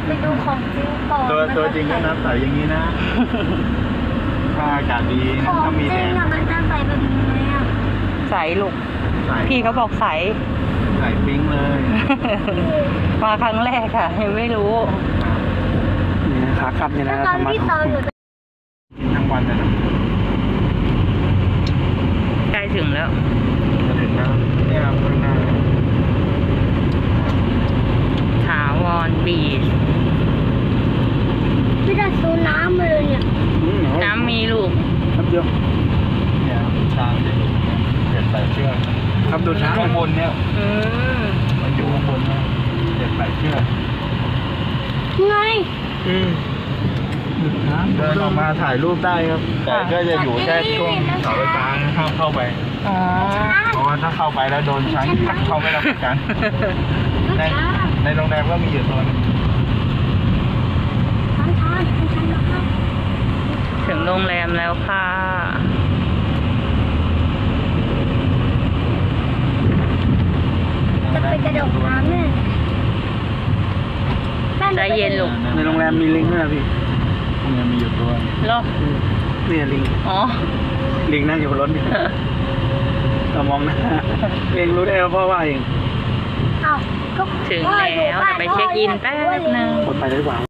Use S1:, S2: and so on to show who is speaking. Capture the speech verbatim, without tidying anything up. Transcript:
S1: ไปดูของจริงก่อน
S2: ตัวตัวจริงก็น้ำใสอย่างนี้นะถ้าอากาศดี
S1: ของ
S2: ถ้ามี
S1: จ
S2: แด
S1: ริง
S2: ด
S1: อะมันจะใส่แบบนี้ไหมอะ
S3: ใสลูก
S2: ใส่
S3: พี่เขาบอกใส
S2: ใส่ปิ้งเลย
S3: มาครั้งแรกค่ะยังไม่รู้
S4: นี่ขากลับนี่
S1: แล้
S4: นะ
S1: วตอน
S4: ธรรมะ
S1: ที่ตอนอยู่
S2: กินทั้งวันเลยนะ
S3: ใกล้ถึงแล้ว
S2: จะถึงแล้วเนี่ยครับข้างหน้า
S3: ถาวรบีช
S1: ไม่ได้ซื้อน้ำมาเลยเนี่ย
S4: อืม
S3: น้ำมีลูก
S4: ครับเดียว
S2: เนี่ยครับช้างจะอยู่เนี่ยเจ็ดแปดเชือก
S4: ครับดูช้าง
S2: ข้างบนเนี่ย
S3: อืม
S2: มันอยู่ข้างบนนะเจ็ดแปดเชือก
S1: ไง
S4: อืมดูช้าง
S2: เดินออกมาถ่ายรูปได้ครับ แต่ก็จะอยู่แค่ช่วงเสาไฟฟ้าห้ามเข้าไป
S3: อ๋อ
S2: เพราะว่าถ้าเข้าไปแล้วโดนช้างกัดเข้าไม่รับประกัน ในในโรงแรมก็มีอยู่ตัวนึง
S1: ทานทานทานทาน
S3: ถึงโรงแรมแล้วค่ะ
S1: จะไปกระโดดน้ำเนี่ย
S3: ใจเย็นลูก
S4: ในโรงแรมมีลิงด้วยนะพี่
S2: โรงแรมมีอยู่ตัว
S3: เหรอ
S4: เนี่ยลิง
S3: อ๋อ
S4: ลิงนั่งอยู่บนรถนี่เรามองหน้าเองรู้ได้ว่าพ่อว่าเอง
S1: อ้าวก็
S3: ถึงแล้วจะไปเช็คอินแป๊บนึง
S4: กดไปได้หวัง